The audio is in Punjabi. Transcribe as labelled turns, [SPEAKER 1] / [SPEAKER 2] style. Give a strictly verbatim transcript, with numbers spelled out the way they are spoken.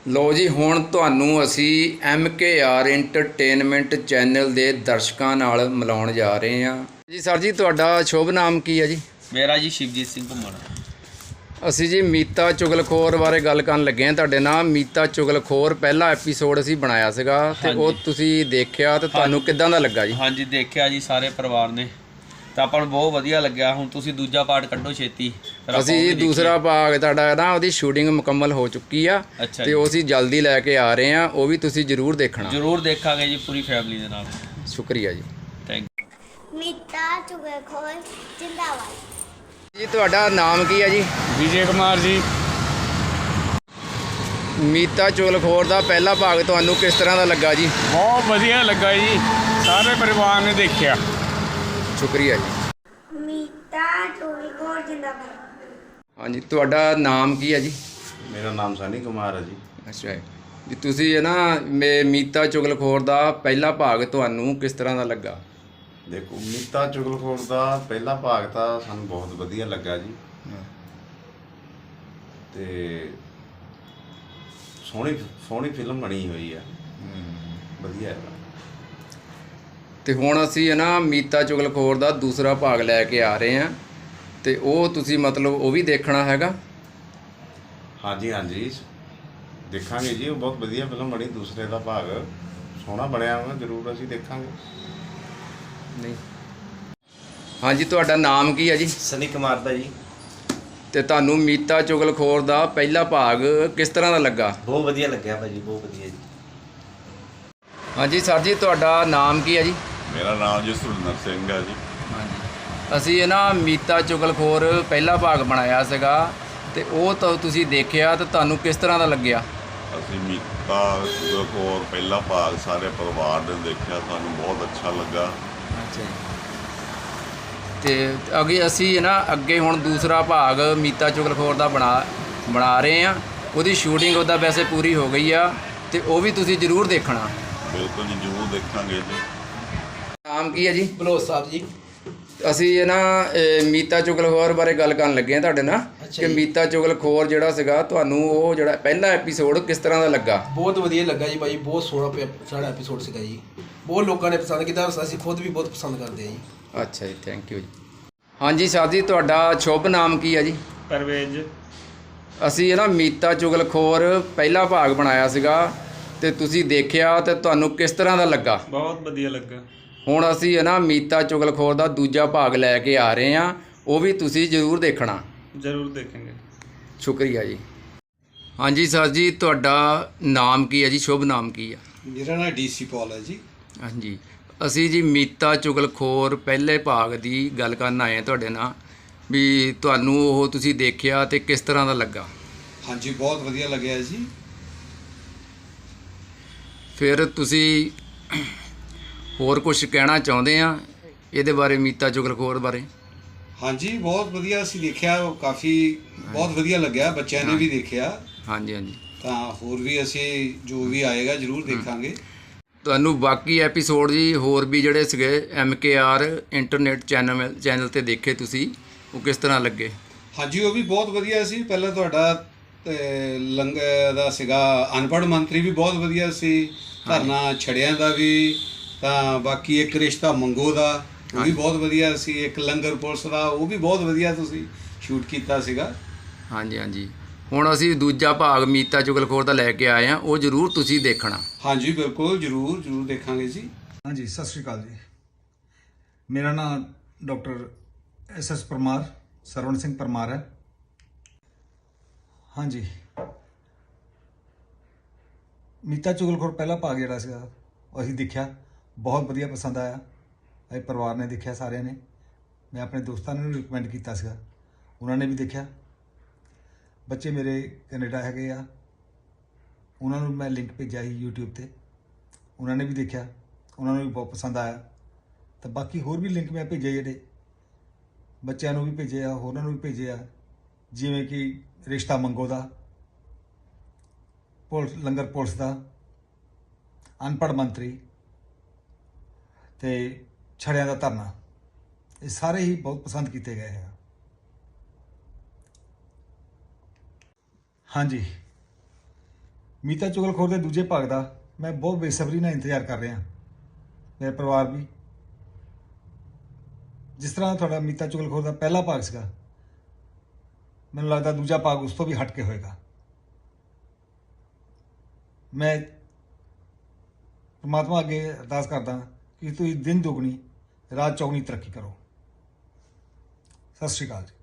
[SPEAKER 1] ਲੋ ਜੀ, ਹੁਣ ਤੁਹਾਨੂੰ ਅਸੀਂ M K R entertainment channel ਦੇ ਦਰਸ਼ਕਾਂ ਨਾਲ ਮਿਲਾਉਣ ਜਾ ਰਹੇ ਹਾਂ ਜੀ। ਸਰ ਜੀ, ਤੁਹਾਡਾ ਸ਼ੁਭ ਨਾਮ ਕੀ ਹੈ ਜੀ?
[SPEAKER 2] ਮੇਰਾ ਜੀ ਸ਼ਿਵਜੀਤ ਸਿੰਘ ਘੁੰਮਣ।
[SPEAKER 1] ਅਸੀਂ ਜੀ ਮੀਤਾ ਚੁਗਲਖੋਰ ਬਾਰੇ ਗੱਲ ਕਰਨ ਲੱਗੇ ਹਾਂ ਤੁਹਾਡੇ ਨਾਲ। ਮੀਤਾ ਚੁਗਲਖੋਰ ਪਹਿਲਾ ਐਪੀਸੋਡ ਅਸੀਂ ਬਣਾਇਆ ਸੀਗਾ ਤੇ ਉਹ ਤੁਸੀਂ ਦੇਖਿਆ ਤੇ ਤੁਹਾਨੂੰ ਕਿੱਦਾਂ ਦਾ ਲੱਗਾ ਜੀ?
[SPEAKER 2] ਹਾਂਜੀ, ਦੇਖਿਆ ਜੀ ਸਾਰੇ ਪਰਿਵਾਰ ਨੇ, ਤਾਂ ਆਪਾਂ ਨੂੰ ਬਹੁਤ ਵਧੀਆ ਲੱਗਿਆ। ਹੁਣ ਤੁਸੀਂ ਦੂਜਾ ਪਾਰਟ ਕੱਢੋ ਛੇਤੀ।
[SPEAKER 1] ਅਸੀਂ ਜੀ ਦੂਸਰਾ ਭਾਗ ਤੁਹਾਡਾ ਨਾ ਉਹਦੀ ਸ਼ੂਟਿੰਗ ਮੁਕੰਮਲ ਹੋ ਚੁੱਕੀ ਆ ਤੇ ਉਹ ਅਸੀਂ ਜਲਦੀ ਲੈ ਕੇ ਆ ਰਹੇ ਹਾਂ। ਉਹ ਵੀ ਤੁਸੀਂ ਜ਼ਰੂਰ ਦੇਖਣਾ।
[SPEAKER 2] ਜ਼ਰੂਰ ਦੇਖਾਂਗੇ ਜੀ, ਪੂਰੀ ਫੈਮਿਲੀ ਦੇ ਨਾਲ।
[SPEAKER 1] ਸ਼ੁਕਰੀਆ ਜੀ।
[SPEAKER 2] Thank
[SPEAKER 3] you. ਮੀਤਾ ਚੁਗਲਖੋਰ ਜਿੰਦਾਬਾਦ
[SPEAKER 1] ਜੀ। ਤੁਹਾਡਾ ਨਾਮ ਕੀ ਹੈ ਜੀ?
[SPEAKER 4] ਵਿਜੇ ਕੁਮਾਰ ਜੀ।
[SPEAKER 1] ਮੀਤਾ ਚੁਗਲਖੋਰ ਦਾ ਪਹਿਲਾ ਭਾਗ ਤੁਹਾਨੂੰ ਕਿਸ ਤਰ੍ਹਾਂ ਦਾ ਲੱਗਾ ਜੀ?
[SPEAKER 4] ਬਹੁਤ ਵਧੀਆ ਲੱਗਾ ਜੀ, ਸਾਰੇ ਪਰਿਵਾਰ ਨੇ ਦੇਖਿਆ।
[SPEAKER 1] ਸ਼ੁਕਰੀਆ ਜੀ।
[SPEAKER 3] ਮੀਤਾ ਚੁਗਲਖੋਰ ਜਿੰਦਾਬਾਦ।
[SPEAKER 1] ਹਾਂਜੀ, ਤੁਹਾਡਾ ਨਾਮ ਕੀ ਹੈ ਜੀ?
[SPEAKER 5] ਮੇਰਾ ਨਾਮ ਸਨੀ ਕੁਮਾਰ ਹੈ ਜੀ।
[SPEAKER 1] ਅੱਛਾ ਜੀ। ਤੁਸੀਂ ਹੈ ਨਾ ਮੇ ਮੀਤਾ ਚੁਗਲਖੋਰ ਦਾ ਪਹਿਲਾ ਭਾਗ ਤੁਹਾਨੂੰ ਕਿਸ ਤਰ੍ਹਾਂ ਦਾ ਲੱਗਾ?
[SPEAKER 5] ਦੇਖੋ, ਮੀਤਾ ਚੁਗਲਖੋਰ ਦਾ ਪਹਿਲਾ ਭਾਗ ਤਾਂ ਸਾਨੂੰ ਬਹੁਤ ਵਧੀਆ ਲੱਗਾ ਜੀ। ਤੇ ਸੋਹਣੀ ਸੋਹਣੀ ਫਿਲਮ ਬਣੀ ਹੋਈ ਆ, ਵਧੀਆ ਹੈ।
[SPEAKER 1] ਤੇ ਹੁਣ ਅਸੀਂ ਹੈ ਨਾ ਮੀਤਾ ਚੁਗਲਖੋਰ ਦਾ ਦੂਸਰਾ ਭਾਗ ਲੈ ਕੇ ਆ ਰਹੇ ਹਾਂ ਤੇ ਉਹ ਤੁਸੀਂ ਮਤਲਬ ਉਹ ਵੀ ਦੇਖਣਾ ਹੈਗਾ?
[SPEAKER 5] ਹਾਂਜੀ ਹਾਂਜੀ, ਦੇਖਾਂਗੇ ਜੀ। ਉਹ ਬਹੁਤ ਵਧੀਆ ਫਿਲਮ ਬਣੀ, ਦੂਸਰੇ ਦਾ ਭਾਗ ਸੋਹਣਾ ਬਣਿਆ ਵਾ, ਜ਼ਰੂਰ ਅਸੀਂ ਦੇਖਾਂਗੇ।
[SPEAKER 1] ਨਹੀਂ। ਹਾਂਜੀ, ਤੁਹਾਡਾ ਨਾਮ ਕੀ ਹੈ ਜੀ?
[SPEAKER 6] ਸਨੀ ਕੁਮਾਰ ਦਾ ਜੀ।
[SPEAKER 1] ਤੇ ਤੁਹਾਨੂੰ ਮੀਤਾ ਚੁਗਲਖੋਰ ਦਾ ਪਹਿਲਾ ਭਾਗ ਕਿਸ ਤਰ੍ਹਾਂ ਦਾ ਲੱਗਾ?
[SPEAKER 6] ਬਹੁਤ ਵਧੀਆ ਲੱਗਿਆ ਭਾਜੀ, ਬਹੁਤ ਵਧੀਆ ਜੀ।
[SPEAKER 1] ਹਾਂਜੀ ਸਰ ਜੀ, ਤੁਹਾਡਾ ਨਾਮ ਕੀ ਹੈ ਜੀ?
[SPEAKER 7] ਮੇਰਾ ਨਾਮ ਜੀ ਸੁਰਿੰਦਰ ਸਿੰਘ ਹੈ ਜੀ।
[SPEAKER 1] ਹਾਂਜੀ, ਅਸੀਂ ਇਹ ਨਾ ਮੀਤਾ ਚੁਗਲਖੋਰ ਪਹਿਲਾ ਭਾਗ ਬਣਾਇਆ ਸੀਗਾ ਤੇ ਉਹ ਤਾਂ ਤੁਸੀਂ ਦੇਖਿਆ ਤੇ ਤੁਹਾਨੂੰ ਕਿਸ ਤਰ੍ਹਾਂ ਦਾ ਲੱਗਿਆ?
[SPEAKER 7] ਅਸੀਂ ਮੀਤਾ ਚੁਗਲਖੋਰ ਪਹਿਲਾ ਭਾਗ ਸਾਰੇ ਪਰਿਵਾਰ ਨੇ ਦੇਖਿਆ, ਸਾਨੂੰ ਬਹੁਤ ਅੱਛਾ ਲੱਗਾ।
[SPEAKER 1] ਅੱਛਾ ਜੀ। ਤੇ ਅੱਗੇ ਅਸੀਂ ਨਾ ਅੱਗੇ ਹੁਣ ਦੂਸਰਾ ਭਾਗ ਮੀਤਾ ਚੁਗਲਖੋਰ ਦਾ ਬਣਾ ਬਣਾ ਰਹੇ ਹਾਂ। ਉਹਦੀ ਸ਼ੂਟਿੰਗ ਉਹਦਾ ਵੈਸੇ ਪੂਰੀ ਹੋ ਗਈ ਆ ਤੇ ਉਹ ਵੀ ਤੁਸੀਂ ਜ਼ਰੂਰ ਦੇਖਣਾ।
[SPEAKER 7] ਬਿਲਕੁਲ ਜੀ, ਜ਼ਰੂਰ ਦੇਖਾਂਗੇ ਜੀ।
[SPEAKER 1] ਨਾਮ ਕੀ ਹੈ ਜੀ?
[SPEAKER 8] ਬਲੋਚ ਸਾਹਿਬ ਜੀ।
[SPEAKER 1] ਅਸੀਂ ਇਹ ਨਾ ਮੀਤਾ ਚੁਗਲਖੋਰ ਬਾਰੇ ਗੱਲ ਕਰਨ ਲੱਗੇ ਹਾਂ ਤੁਹਾਡੇ ਨਾਲ ਕਿ ਮੀਤਾ ਚੁਗਲਖੋਰ ਜਿਹੜਾ ਸੀਗਾ ਤੁਹਾਨੂੰ ਉਹ ਜਿਹੜਾ ਪਹਿਲਾ ਐਪੀਸੋਡ ਕਿਸ ਤਰ੍ਹਾਂ ਦਾ ਲੱਗਾ?
[SPEAKER 8] ਬਹੁਤ ਵਧੀਆ ਲੱਗਾ ਜੀ ਭਾਈ, ਬਹੁਤ ਸੋਹਣਾ ਸਾਡਾ ਐਪੀਸੋਡ ਸੀਗਾ ਜੀ। ਬਹੁਤ ਲੋਕਾਂ ਨੇ ਪਸੰਦ ਕੀਤਾ, ਅਸੀਂ ਖੁਦ ਵੀ ਬਹੁਤ ਪਸੰਦ ਕਰਦੇ ਹਾਂ ਜੀ।
[SPEAKER 1] ਅੱਛਾ ਜੀ, ਥੈਂਕ ਯੂ ਜੀ। ਹਾਂਜੀ ਸਰ ਜੀ, ਤੁਹਾਡਾ ਸ਼ੁਭ ਨਾਮ ਕੀ ਹੈ ਜੀ?
[SPEAKER 4] ਪਰਵੇਜ਼।
[SPEAKER 1] ਅਸੀਂ ਇਹ ਨਾ ਮੀਤਾ ਚੁਗਲਖੋਰ ਪਹਿਲਾ ਭਾਗ ਬਣਾਇਆ ਸੀਗਾ ਤੇ ਤੁਸੀਂ ਦੇਖਿਆ ਤੇ ਤੁਹਾਨੂੰ ਕਿਸ ਤਰ੍ਹਾਂ ਦਾ ਲੱਗਾ?
[SPEAKER 4] ਬਹੁਤ ਵਧੀਆ ਲੱਗਾ।
[SPEAKER 1] ਹੁਣ ਅਸੀਂ ਹੈ ਨਾ ਮੀਤਾ ਚੁਗਲਖੋਰ ਦਾ ਦੂਜਾ ਭਾਗ ਲੈ ਕੇ ਆ ਰਹੇ ਹਾਂ, ਉਹ ਵੀ ਤੁਸੀਂ ਜ਼ਰੂਰ ਦੇਖਣਾ।
[SPEAKER 4] ਜ਼ਰੂਰ ਦੇਖਾਂਗੇ।
[SPEAKER 1] ਸ਼ੁਕਰੀਆ ਜੀ। ਹਾਂਜੀ ਸਰ ਜੀ, ਤੁਹਾਡਾ ਨਾਮ ਕੀ ਹੈ ਜੀ? ਸ਼ੁਭ ਨਾਮ ਕੀ ਆ?
[SPEAKER 9] ਮੇਰਾ ਨਾਮ ਡੀਸੀ ਪੌਲ ਹੈ ਜੀ।
[SPEAKER 1] ਹਾਂਜੀ, ਅਸੀਂ ਜੀ ਮੀਤਾ ਚੁਗਲਖੋਰ ਪਹਿਲੇ ਭਾਗ ਦੀ ਗੱਲ ਕਰਨ ਆਏ ਹਾਂ ਤੁਹਾਡੇ ਨਾਲ ਵੀ ਤੁਹਾਨੂੰ ਉਹ ਤੁਸੀਂ ਦੇਖਿਆ ਤੇ ਕਿਸ ਤਰ੍ਹਾਂ ਦਾ ਲੱਗਾ?
[SPEAKER 9] ਹਾਂਜੀ, ਬਹੁਤ ਵਧੀਆ ਲੱਗਿਆ ਜੀ।
[SPEAKER 1] ਫਿਰ ਤੁਸੀਂ ਹੋਰ ਕੁਝ ਕਹਿਣਾ ਚਾਹੁੰਦੇ ਆ ਇਹਦੇ ਬਾਰੇ, ਮੀਤਾ ਚੁਗਲਖੋਰ ਬਾਰੇ?
[SPEAKER 9] ਹਾਂਜੀ, ਬਹੁਤ ਵਧੀਆ ਅਸੀਂ ਦੇਖਿਆ, ਕਾਫੀ ਬਹੁਤ ਵਧੀਆ ਲੱਗਿਆ, ਬੱਚਿਆਂ ਨੇ ਵੀ ਦੇਖਿਆ।
[SPEAKER 1] ਹਾਂਜੀ ਹਾਂਜੀ।
[SPEAKER 9] ਤਾਂ ਹੋਰ ਵੀ ਅਸੀਂ ਜੋ ਵੀ ਆਏਗਾ ਜ਼ਰੂਰ ਦੇਖਾਂਗੇ।
[SPEAKER 1] ਤੁਹਾਨੂੰ ਬਾਕੀ ਐਪੀਸੋਡ ਜੀ ਹੋਰ ਵੀ ਜਿਹੜੇ ਸੀਗੇ M K R internet channel channel 'ਤੇ ਦੇਖੇ ਤੁਸੀਂ, ਉਹ ਕਿਸ ਤਰ੍ਹਾਂ ਲੱਗੇ?
[SPEAKER 9] ਹਾਂਜੀ, ਉਹ ਵੀ ਬਹੁਤ ਵਧੀਆ ਸੀ। ਪਹਿਲਾਂ ਤੁਹਾਡਾ ਲੰਗਰ ਦਾ ਸੀਗਾ, ਅਨਪੜ੍ਹ ਮੰਤਰੀ ਵੀ ਬਹੁਤ ਵਧੀਆ ਸੀ। ਧਰਨਾ ਛੜਿਆਂ ਦਾ ਵੀ, ਤਾਂ ਬਾਕੀ ਇੱਕ ਰਿਸ਼ਤਾ ਮੰਗੋ ਦਾ ਉਹ ਵੀ ਬਹੁਤ ਵਧੀਆ ਸੀ। ਇੱਕ ਲੰਗਰ ਪੁਲਿਸ ਦਾ ਉਹ ਵੀ ਬਹੁਤ ਵਧੀਆ ਤੁਸੀਂ ਸ਼ੂਟ ਕੀਤਾ ਸੀਗਾ।
[SPEAKER 1] ਹਾਂਜੀ ਹਾਂਜੀ। ਹੁਣ ਅਸੀਂ ਦੂਜਾ ਭਾਗ ਮੀਤਾ ਚੁਗਲਖੋਰ ਦਾ ਲੈ ਕੇ ਆਏ ਹਾਂ, ਉਹ ਜ਼ਰੂਰ ਤੁਸੀਂ ਦੇਖਣਾ।
[SPEAKER 9] ਹਾਂਜੀ, ਬਿਲਕੁਲ, ਜ਼ਰੂਰ ਜ਼ਰੂਰ ਦੇਖਾਂਗੇ ਜੀ।
[SPEAKER 10] ਹਾਂਜੀ, ਸਤਿ ਸ਼੍ਰੀ ਅਕਾਲ ਜੀ। ਮੇਰਾ ਨਾਮ doctor S S Parmar, Sarwan Singh Parmar ਹੈ। ਹਾਂਜੀ, ਮੀਤਾ ਚੁਗਲਖੋਰ ਪਹਿਲਾ ਭਾਗ ਜਿਹੜਾ ਸੀਗਾ ਉਹ ਅਸੀਂ ਦੇਖਿਆ, ਬਹੁਤ ਵਧੀਆ ਪਸੰਦ ਆਇਆ। ਅਸੀਂ ਪਰਿਵਾਰ ਨੇ ਦੇਖਿਆ ਸਾਰਿਆਂ ਨੇ। ਮੈਂ ਆਪਣੇ ਦੋਸਤਾਂ ਨੂੰ ਵੀ ਰਿਕਮੈਂਡ ਕੀਤਾ ਸੀਗਾ, ਉਹਨਾਂ ਨੇ ਵੀ ਦੇਖਿਆ। ਬੱਚੇ ਮੇਰੇ ਕੈਨੇਡਾ ਹੈਗੇ ਆ, ਉਹਨਾਂ ਨੂੰ ਮੈਂ ਲਿੰਕ ਭੇਜਿਆ ਸੀ ਯੂਟਿਊਬ 'ਤੇ, ਉਹਨਾਂ ਨੇ ਵੀ ਦੇਖਿਆ, ਉਹਨਾਂ ਨੂੰ ਵੀ ਬਹੁਤ ਪਸੰਦ ਆਇਆ। ਤਾਂ ਬਾਕੀ ਹੋਰ ਵੀ ਲਿੰਕ ਮੈਂ ਭੇਜੇ, ਜਿਹੜੇ ਬੱਚਿਆਂ ਨੂੰ ਵੀ ਭੇਜੇ ਆ, ਹੋਰਾਂ ਨੂੰ ਵੀ ਭੇਜੇ ਆ, ਜਿਵੇਂ ਕਿ ਰਿਸ਼ਤਾ ਮੰਗੋ ਦਾ, ਪੁਲਿਸ ਲੰਗਰ ਪੁਲਿਸ ਦਾ, ਅਨਪੜ੍ਹ ਮੰਤਰੀ ਤੇ ਛੜਿਆਂ ਦਾ ਧਰਨਾ। ਇਹ ਸਾਰੇ ਹੀ ਬਹੁਤ ਪਸੰਦ ਕੀਤੇ ਗਏ ਆ। ਹਾਂਜੀ, ਮੀਤਾ ਚੁਗਲਖੋਰ ਦੇ ਦੂਜੇ ਭਾਗ ਦਾ ਮੈਂ ਬਹੁਤ ਬੇਸਬਰੀ ਨਾਲ ਇੰਤਜ਼ਾਰ ਕਰ ਰਿਹਾ। ਮੇਰਾ ਪਰਿਵਾਰ ਵੀ। ਜਿਸ ਤਰ੍ਹਾਂ ਤੁਹਾਡਾ ਮੀਤਾ ਚੁਗਲਖੋਰ ਦਾ ਪਹਿਲਾ ਭਾਗ ਸੀਗਾ, ਮੈਨੂੰ ਲੱਗਦਾ ਦੂਜਾ ਭਾਗ ਉਸ ਤੋਂ ਵੀ ਹਟ ਕੇ ਹੋਏਗਾ। ਮੈਂ ਪਰਮਾਤਮਾ ਅੱਗੇ ਅਰਦਾਸ ਕਰਦਾ ਕਿ ਤੁਸੀਂ ਦਿਨ ਦੁਗਣੀ ਰਾਤ ਚੌਗੁਣੀ ਤਰੱਕੀ ਕਰੋ। ਸਤਿ ਸ਼੍ਰੀ ਅਕਾਲ ਜੀ।